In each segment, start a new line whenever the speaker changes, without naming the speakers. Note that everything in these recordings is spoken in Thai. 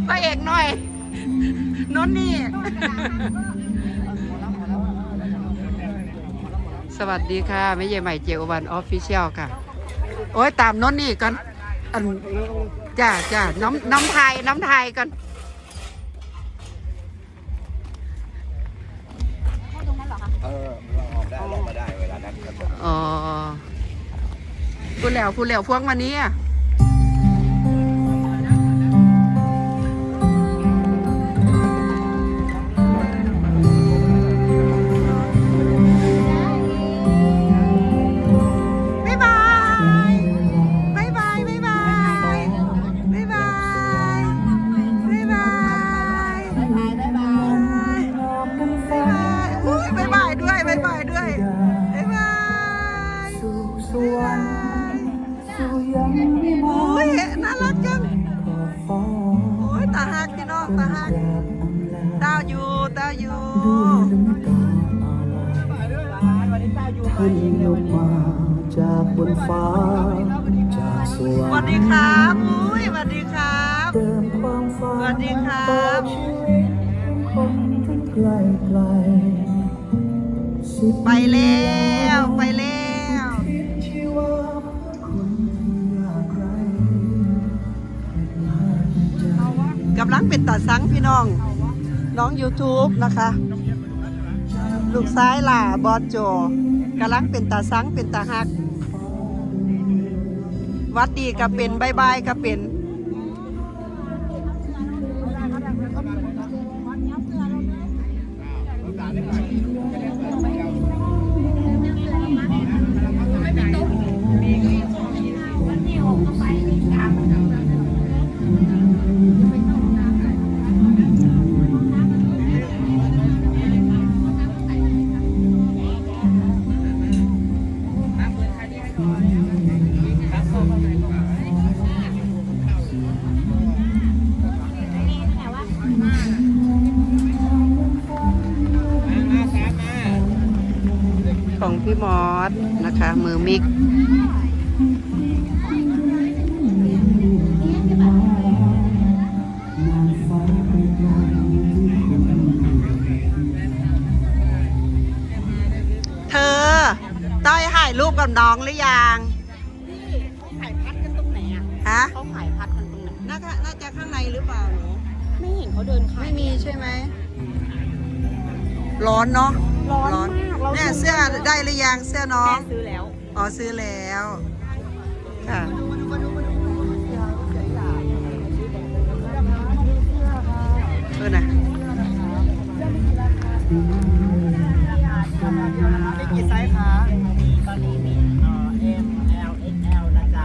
พระเอกหน่อยนนนี่สวัสดีค่ะแม่ใหญ่ใหม่เจโอวันออฟฟิเชียลค่ะโอ้ยตามนนนี่ก่อนจ้าน้ำไทยก่อน
เราออกได้เรามาได้เวลานั้นครับ
อ๋อพูดแล้วพวกวันนี้น่ารักจังโอ้ยตาหักพี่น้องตาหักดาวอยู่
ท่านลงมาจากบนฟ้าจากสวรรค์
สวัสดีครับอุ้ยสวัสดีครับ
เติมความฝัน
สวัสดีครับ
คนทั้งไกล
ไปแล้ว
ที่ว่าคนยากไร้
กำลังเป็นตาสังพี่น้องYouTube นะคะ ลูกซ้ายล่ะบอสโจกำลังเป็นตาสังเป็นตาหักวัดดีก็เป็นบายบายก็เป็นของพี่มอสนะคะมือมิกเธอต้อยถ่ายรูปกับน้องหรือยัง
เขาขายพัดกันตรงไหนอ่ะ
ฮะ
เขาขายพัดกันตรงไหน
น่าจะข้างในหรือเปล่าหนู
ไม่เห็นเขาเดินขาย
ไม่มีใช่ไหมร้อนเนาะ
ร้อนมากเรา
เนี่ยเสื้อได้หรือยังเสื้อน้อง
แม่ซื้อแล้ว
อ๋อซื้อแล้วค่ะน่ะ
มีกี่ไซส์คะตอนนี้มีM L XL นะจ๊ะ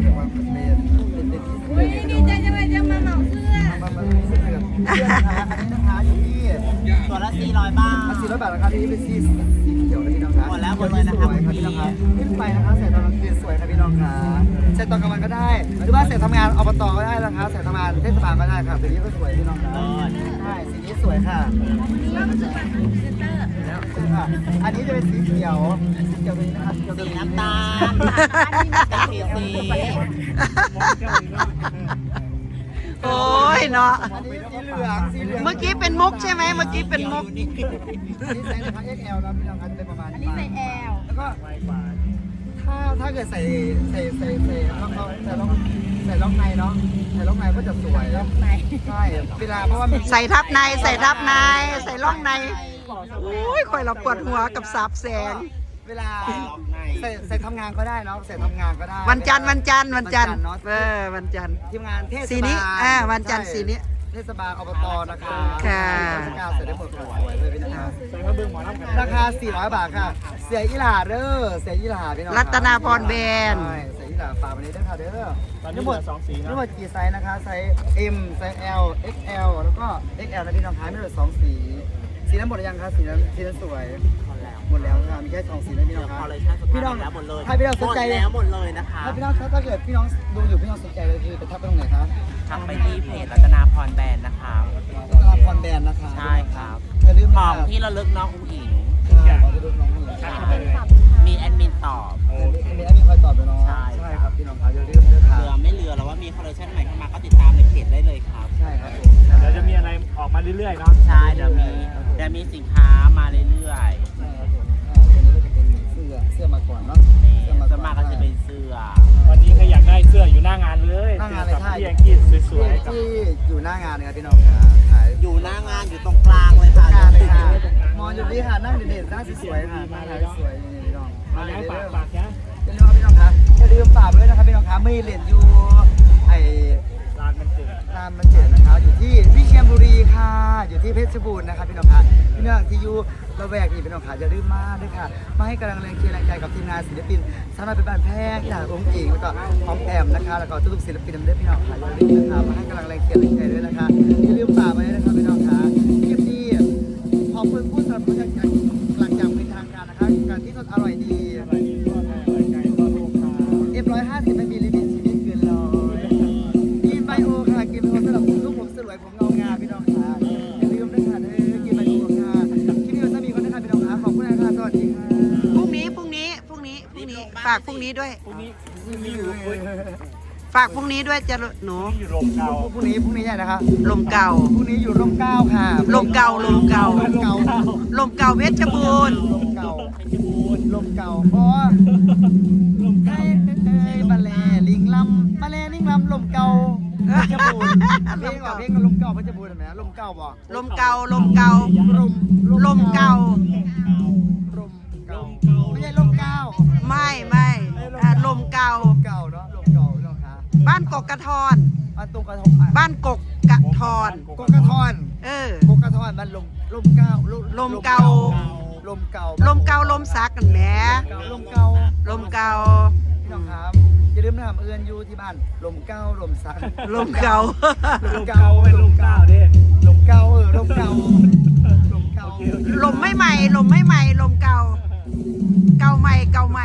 ดีใจจังเลยจะมาเหมาเสื้อ
เสื้อนะคะอันนี้นะคะอยู่ที่ตัวละ400 บาท400 บาทนะคะที่นี่เป็นสีเขียวนะพี่น้องคะหมดแล้วหมดเลยนะคะพี่น้องคะขึ้นไปนะคะใส่ตอนกลางคืนสวยค่ะพี่น้องค่ะใส่ตอนกลางวันก็ได้หรือว่าใส่ทำงานอบตก็ได้นะคะใส่ทำงานเทศบาลก็ได้ค่ะสีนี้ก็สวยพี่น้องค่ะใช่สีนี้สวยค่ะอันนี้จะเป็นสีเขียวตัวนี้นะคะสีน้ำตาลสี
โอ้ยเนาะ
อันนี้สีเหลือง
เมื่อกี้เป็นมุกใช่ไหมเมื่อกี้เป็นมุก
นี่ใส่นะคะ XL นะพี่น้องคะจะเป็นประมาณนี้
ใส่แอล
แล้วก็ถ้าเกิดใส่ล็อกในเนาะใส่ล็อกในก็จะสวยล็อกในใช่เวลาเพราะว่า
ใส่ทับในใส่ร่องในโอ้ยคอยเราปวดหัวกับสาบแสง
เวลาใส่ทำงานก็ได้เนาะใส่ทำงานก็ได้
วันจันทร์เนาะวันจันทร์
วันจันทร์ ทีมงานเทศบาล
สีนี้วันจันทร์สีนี้
เทศบาลอบตนะคะ
ค่ะ
ราชการใส่ได้หมดค่ะสวยเลยพี่นะคะราคา400 บาทค่ะเสียอีหลาเด้อเสียอีหลาพี่น้อง
รัตนาพรแบรนด์
ใช่เสียอีหลาฝากวันนี้ด้วยค่ะเด้อทั้งหมด2 สีนะทั้งหมดกี่ไซส์นะคะไซส์ M ไซส์ L XL แล้วก็ XL นะพี่น้องคะไม่เหลือ2 สีสีนั้นหมดหรือยังคะสีนั้นสวยหมดแล้วค่ะมีแค่2 สีนะพี่น้องคะพี่น้องหมดเลยถ้าพี่น้องสนใจแล้วหมดเลยนะคะถ้าพี่น้องถ้าเกิดพี่น้องดูอยู่พี่น้องสนใจเลยคือไปทักไปตรงไหนคะ
ทักไปที่เพจรัตนาพรแบรนด์นะคะ
รัตนาพรแบรนด์นะคะ
ใช่ครับ
อย่าลืม
ของที่ระลึกน้องอุ้งอิง
ของที่ระลึกน้องอุ้งอิง
มีแอดมินตอบ
มีแอดมินคอยตอบด้วยเนาะ
ใช่
ครับพี่น้องครับอย่าลืมด้วยค่ะ
เรือไม่เรือแล้วว่ามีคอลเลคชันใหม่เข้ามาก็ติดตามในเพจได้เลยครับ
ใช่ครับผม
เรื่อยๆเนาะ
ใช่เดี๋ยวมีสินค้ามาเรื่อย
ตัวนี้ก็จะเป็นเสื้อมาก่อนเนาะ
ๆนี่จะมาก็จะเป็นเสื้อ
วันนี้ใครอยากได้เสื้ออยู่หน้างานเลย
หน้างานเลย
กับ
ใช่
พี่แองกี้สวยๆกับ
ที่อยู่หน้างานนะครับพี่น้องครับขาย
อยู่หน้างานอยู่ตรงกลางเลยค่ะ
งานเลยค่ะมองอยู่นี่ค่ะนั่งเด่นๆนั่งสวยๆค่ะนั่งสวยๆนี่พี่น้อง
มาแล้วฝากนะ
อย่าลืมพี่น้องครับอย่าลืมฝากไว้ด้วยนะครับพี่น้องครับมีเหรียญอยู่ไอ้
ร้านมันเกิด
ร้านมันเจ็ดนะครับอยู่ที่วิเชียรบุรีค่ะอยู่ที่เพชรบูรณ์นะครับพี่น้องครับพี่น้องที่อยู่ระแวกนี้พี่น้องครับอย่าลืมมาด้วยค่ะมาให้กำลังแรงเชียร์แรงใจกับทีมงานศิลปินสาวน้อยเป็นบ้านแพงจากองค์อิงแล้วก็พร้อมแอมนะคะแล้วก็ทุกศิลปินด้วยพี่น้องค่ะอย่าลืมนะครับมาให้กำลังแรงเชียร์แรงใจด้วยนะคะอย่าลืมฝากไว้นะครับพี่น้องครับคลิปนี้ขอบคุณผู้สนับสนุนจากหลังจากเป็นทางการนะครับการที่สดอร่อยดี
อะไรนี่ก็อะไรไก่ก็ลูกค้า
F150ไม่มีลิมิตชีวิตเกินร้อยกินไบโอค่ะกินไบโอสำหรับลูกผมสวยผมเงางามพี่น้องค่ะอย่าลืมนะคะกินไบโอค่ะคลิปนี้จะมีคนนะคะพี่น้องค่ะขอบคุณนะคะสวัสดีค่ะ
พรุ่งนี้ฝากพรุ่งนี้ด้วย
พรุ่งนี้อยู่
ฝากพรุ่งนี้ด้วยจะหนู
อยู่โรงเก่า
พรุ่งนี้ใหญ่นะคะ
ลมเก่า
พรุ่งนี้อยู่ร่มเกล้าค่ะ
ลมเก่าลมเก่า
ร่มเก่า
ลมเก่าเพชรบูรณ์
ร่มเก่าร่มเก่าเพราะไอ้บาเลลิงลำบาเลลิงลำลมเก่าเพชรบูรณ์เพลงว่าเพลงลมเก่าเพชรบูรณ์เห็นไหมลมเก่าบอก
ลมเก่าลมเก่า ลมเก่า
ลมเก่าไม่ใช่ลมเก่า
ไม่ลมเก่า
เก่าเนาะลมเก่าเนาะค่ะ
บ้านกกกระทอน
บ้านตรงกระทง
บ้านกกกระทอน
กกระทอน
เออ
กกระทอนมันลมเก่า
ลมเก่า
ลมเก่า
ลมเก่าลมซักกันแหม
ลมเก่า
ลมเก่า
พี่น้องครับอย่าลืมนะครับเอื้อนอยู่ที่บ้านลมเก่าลมสัก
ลมเก่า
ลูกเก่าเป็นลูกเก่าดิ
ลมเก่าลมเก่าลมเก่า
ลมไม่ใหม่ลมไม่ใหม่ลมเก่า เก่าใหม่เก่าใหม่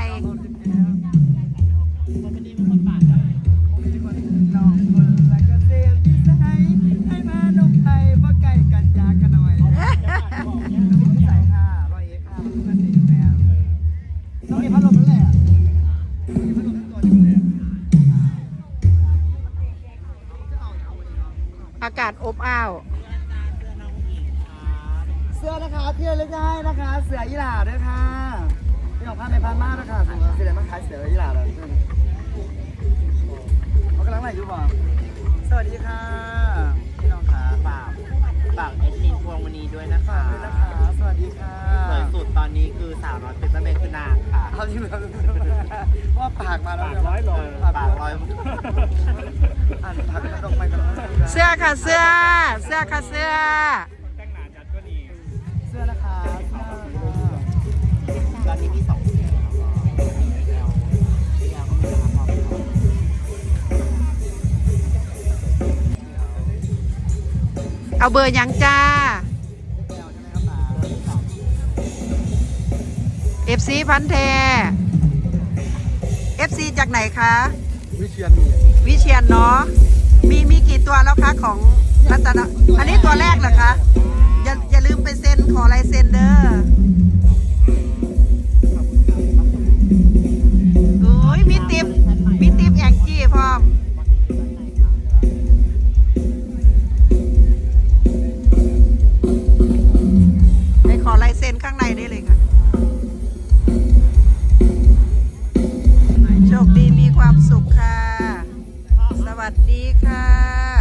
น้องคนละเกษตรวิสัยให้มาดงไทยเพราะใกล้กันจากกันหน่อยวิสัยค่ะร้อยเอ็ดค่ะเกษตรแมวต้องมีพัดลมนั่นแหละมีพัดลมทั้งตัวนี่เลย
อากาศอบอ้าว
เสื้อนะคะที่ระลึกได้นะคะ เสือยี่หร่าด้วยค่ะพี่น้องพาไปพานมากนะคะเสือมาขายเสือยี่หร่าเลยเขากำลังไหนอยู่บ่สวัสดีค่ะพี่น้องค่ะ
ฝากเอดมินพวงมณีด้วยนะ
ฝา
คะ
กด้วยนะคะสวัสดีค่ะ
สวยสุดตอนนี้คือสาวน้อยเป็นแม่คือนางค่ะ
เขาที่แบบว่าปากมาแล้ว
ปากร้อยหล่อ
ปากร้อย
อ่านผักกระดกไปกัน
เสื้อค่ะเสื้อค่ะเสื้อ
แต่งหน้าจัดก็ดี
เสื้อนะคะ
ตอนนี้มี2สีแล้วก็
เอาเบอร์ยังจ้า FC พันแท FC จากไหนคะ
วิเชียน
วิเชียนเนาะมีกี่ตัวแล้วคะของรัตนะอันนี้ตัวแรกเหรอคะอย่าลืมไปเซ็นขอลายเซ็นเด้อโอ้ยมีติ๊บแองจี้พร้อมให้ขอลายเซ็นข้างในได้เลยค่ะโชคดีมีความสุขค่ะ สวัสดีค่ะ